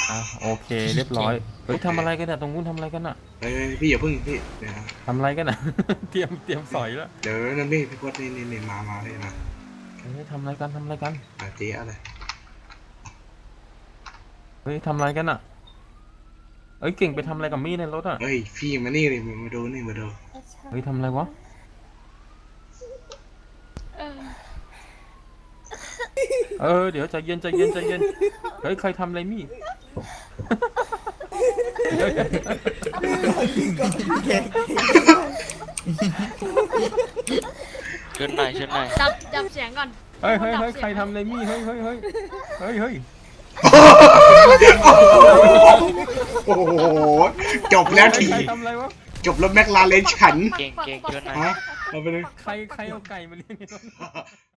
อ่ะโอเคเรียบร้อยเฮ้ยทำอะไรกันน่ะตรงนู้นทำอะไรกันน่ะเฮ้ยพี่อย่าพึ่งพี่เดี๋ยวนะทำอะไรกันน่ะ เตรียมสอยแล้วเดี๋ยวนั่นพี่พจน์นี่มาเลยนะเฮ้ยทำอะไรกันทำอะไรกันเจ๊อะไรเฮ้ยทำอะไรกันน่ะเอ้ยเก่งไปทำอะไรกับมี่ในรถอ่ะเฮ้ยพี่มานี่เลยมาดูนี่มาดูเฮ้ยทำอะไรวะเดี๋ยวใจเย็นเฮ้ยใครทำอะไรมี่เฮ้ยช่วยหน่อยช่วยหน่อยจับเสียงก่อนเฮ้ยใครทำอะไรมี่เฮ้ยโอ้โหจบแล้วทีใครทำอะไรวะจบแล้วแม็กลาเรนฉันเก่งช่วยหน่อยฮะเอาไปเลยใครเอาไก่มาเลี้ยงในรถ